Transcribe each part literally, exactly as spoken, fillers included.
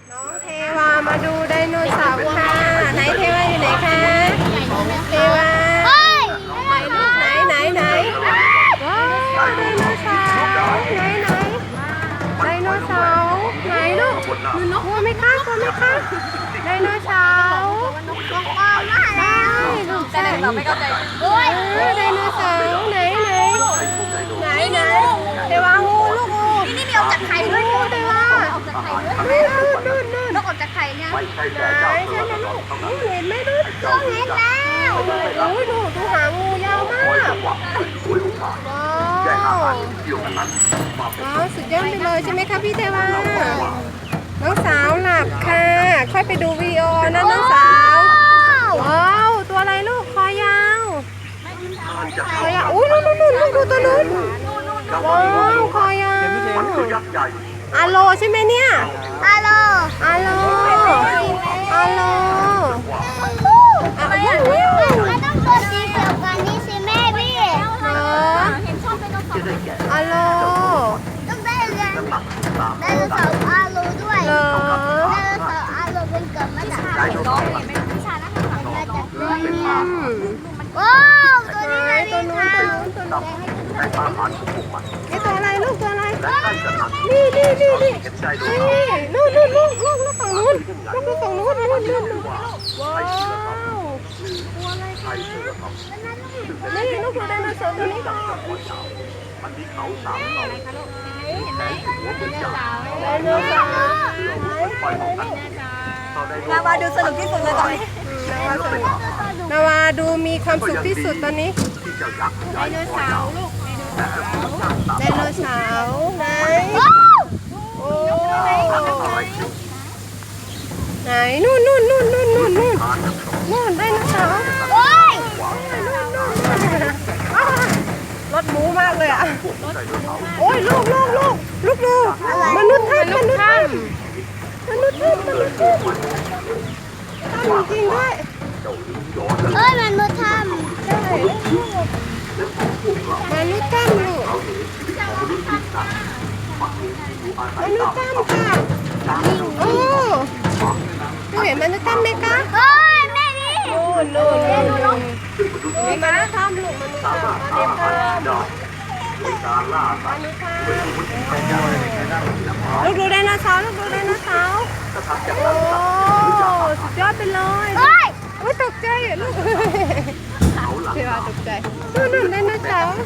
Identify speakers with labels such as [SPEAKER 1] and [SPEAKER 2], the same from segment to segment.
[SPEAKER 1] น้องเทวามาดูไดโนเสาร์ค่ะไหนเทวาอยู่ไหนคะเทวาไหนลูกไหนไหนไหนว้าวไดโนเสาร์ไหนไหนไดโนเสาร์ไหนลูกกลัวไหมคะกลัวไหมคะไดโนเสาร์ใช่ลูกใช่โอ้ยไดโนเสาร์ไหนไหนไหนไหนเทวางูลูกงูนี่มีออกจากไข่ด้วยงูเทวานู่นนู่นนู่น
[SPEAKER 2] นกออกจากไข่เนี่ย
[SPEAKER 1] ไหนใช่ไหมลูกเห็นไหมลูกเห็นแล้วโอ้ยดูดูหางงูยาวมากว้าวว้าวสุดยอดไปเลยใช่ไหมคะพี่เทวาน้องสาวหลับค่ะค่อยไปดูวีดีโอนะน้องสาวว้าวตัวอะไรลูกคอยาวคอยาวอุ้ยนู่นนู่นนู่นดูตัวนู้นว้าวคอยาวอาโลใช่ไหมเนี่ยอาโลอาโลอาโลอะไรอ่ะ
[SPEAKER 2] มันต้องตัวสีเขียวกันนี่สิแม่พี่
[SPEAKER 1] เหรออาโล
[SPEAKER 2] ต้องได้เรียนไดโนเสาร์อาโลด้วยไดโนเสาร์อาโลเป็นเกิดมาจากไข่น้องเนี่ยเป็นวิชานะมาจากตัวนี้ว้าวตัวนี้ตัวนี้ตัวนู้นตัวนู้น
[SPEAKER 1] นี่ตัวอะไรลูกตัวอะไรนี่นี่นี่นี่นี่นู่นนู่นลูกลูกลูกฝั่งนู้นลูกลูกฝั่งนู้นนู่นนู่นว้าวตัวอะไรคะนี่ลูกดูไดโนเสาร์ตัวนี้ค่ะไดโนเสาร์นาวาดูสนุกที่สุดเลยตอนนี้นาวาดูมีความสุขที่สุดตอนนี้ไดโนเสาร์ลูกไดโนเสาร์ไหนโอ้ไหนนู่นนู่นนู่นนู่นนู่นนู่นนู่นไดโนเสาร์
[SPEAKER 2] โอ้ย
[SPEAKER 1] รถหมูมากเลยอ่ะโอ้ยลูกลูกลูกลูกดูมนุษย์ถ้ำมนุษย์ถ้ำมนุษย์ถ้ำมนุษย์ถ้ำถ้ำจริงด้วย
[SPEAKER 2] เอ้ยมันมาทำ
[SPEAKER 1] ใช่มนุษย์ถ้ำลูกมนุษย์ถ้ำค่ะโอ้ดูเห็นมนุษย์ถ้ำไหมคะ
[SPEAKER 2] เฮ้ยแม่นี่
[SPEAKER 1] นู่นนู่นนู่นมีมนุษย์ถ้ำลูกมนุษย์ถ้ำมนุษย์ถ้ำลูกดูไดโนเสาร์ลูกดูไดโนเสาร์โอ้สุดยอดไปเลยโอ้ยตกใจอ่ะลูกเทวาตกใจนู่นนู่นไดโนเสาร์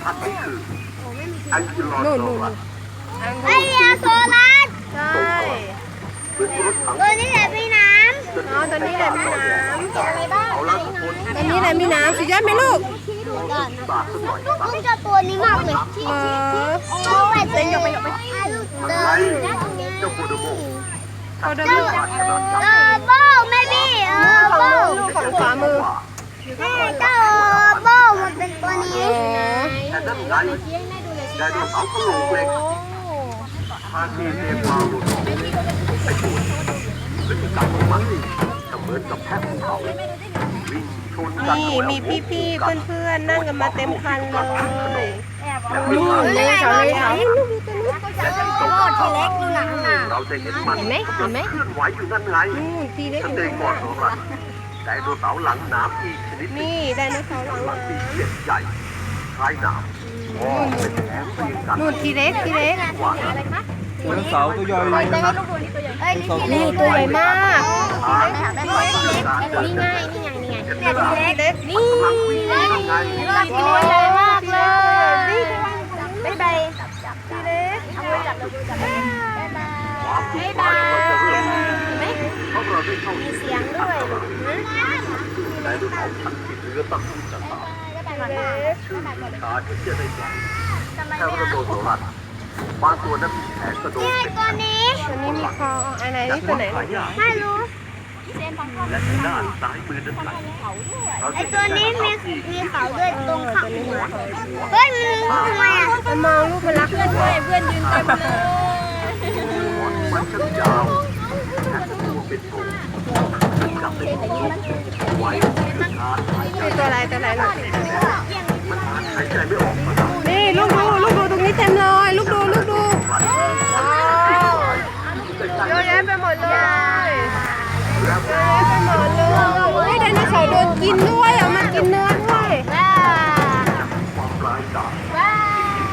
[SPEAKER 1] นู่นนู่น
[SPEAKER 2] ไอ้ยาโซลัส
[SPEAKER 1] ใช่
[SPEAKER 2] ตัวนี้แหละพี่น้ำ
[SPEAKER 1] อ๋อตัวนี้แหละมีน้ำ
[SPEAKER 2] อะไรบ้าง
[SPEAKER 1] ตัวนี้แหละมีน้ำสุดยอดไหมลูก
[SPEAKER 2] ลูกจะตัวนี้มากเลย
[SPEAKER 1] เออ
[SPEAKER 2] ลูกไปเดินไปไปลูกเดิน
[SPEAKER 1] โคโดโมโคโดโม
[SPEAKER 2] เออโบ้แม่พี่เออโบ้
[SPEAKER 1] ฝั่งขวามือ
[SPEAKER 2] เจ้าโบ้มันเป็นตัวนี้
[SPEAKER 3] ไดโนเสาร์กระโหลกเหล็กภาคีเทพารุณไอ้ตัวพฤติกรรมของมันจะเหมือนกับแพะภูเขาวิ่งชนกัน
[SPEAKER 1] นี่มีพี่ๆเพื่อนๆนั่งกันมาเต็มคันเลย
[SPEAKER 2] ดู
[SPEAKER 1] เลยเขาเลยเขา
[SPEAKER 2] โบ้ทีเล็กดูหนังหนา
[SPEAKER 3] เราจะเห็นมัน
[SPEAKER 1] เห็นไหมเห็นไหม
[SPEAKER 3] เคลื่อนไหวอยู่นั่นไง
[SPEAKER 1] อืมทีเล็ก
[SPEAKER 3] สเตย์ก่อนของมันไดโนเสาร์หลังหนามอีกชนิดหนึ่ง
[SPEAKER 1] นี่ไดโนเสาร์หลัง
[SPEAKER 3] หลัง
[SPEAKER 1] น้
[SPEAKER 3] ปีเล็กใหญ่คล้ายหนามมองเป็นแถบเรียงกัน
[SPEAKER 1] ำนู่นทีเล็กทีเล็ก
[SPEAKER 3] กว่า
[SPEAKER 4] ไดโนเสาร์ตัวใหญ่เลยนะ
[SPEAKER 2] เอ้ยนี่ทีเล็
[SPEAKER 1] นี่
[SPEAKER 2] ก
[SPEAKER 1] ตัวใหญ่มาก
[SPEAKER 2] นี่ไงนี่ไงนี่ไง
[SPEAKER 1] เนี่ยทีเล็กนี่
[SPEAKER 2] เล็ก
[SPEAKER 3] ไง
[SPEAKER 2] ตัวใหญ่มากเลย
[SPEAKER 1] นี่
[SPEAKER 2] บ๊ายบาย
[SPEAKER 1] ทีเล็ก
[SPEAKER 3] ความทุกข์ร้ายมันจะเริ่มเพราะเราได้เข้าถึง
[SPEAKER 2] เสียงด้วย
[SPEAKER 3] ไดโนเสาร์พันธุ์ที่เหลือตั้งคู่จะตาม
[SPEAKER 1] ทีเล็ก
[SPEAKER 3] ชื่อชาที่จะได้ใหญ่แค่ระโดดโซลัสบางตัวนั้นมีแผลกระโดด
[SPEAKER 2] นี่
[SPEAKER 3] เป็น
[SPEAKER 2] ตัวนี้
[SPEAKER 1] อันนี้มีคออันไหนนี่ตัวไหน
[SPEAKER 3] หายาก
[SPEAKER 2] ไม่รู้
[SPEAKER 3] และด้านซ้ายมือนั้นไหล
[SPEAKER 2] ไอตัวนี้มีมีเขาด้วยตรงข้างหัวเฮ้ยมันทำไมอ่ะ
[SPEAKER 1] มันมองลูกมันรักเพื่อนด้วยเพื่อนยืนเต็มเลย
[SPEAKER 3] มันช่างยาวแค่ตัวเป็นโถมันจับได้ทุกลูกไว้ชาร์จหายใจ
[SPEAKER 1] นี่ตัวอะไรตัวอะไรลูก
[SPEAKER 3] มันหายใจไม่ออกมา
[SPEAKER 1] นี่ลูกดูลูกดูตรงนี้เต็มเลยลูกดูลูกดูว้าวแยะไปหมดเลยเยอะแยะไปหมดเลยโอ้ยไดโนเสาร์โดนกินด้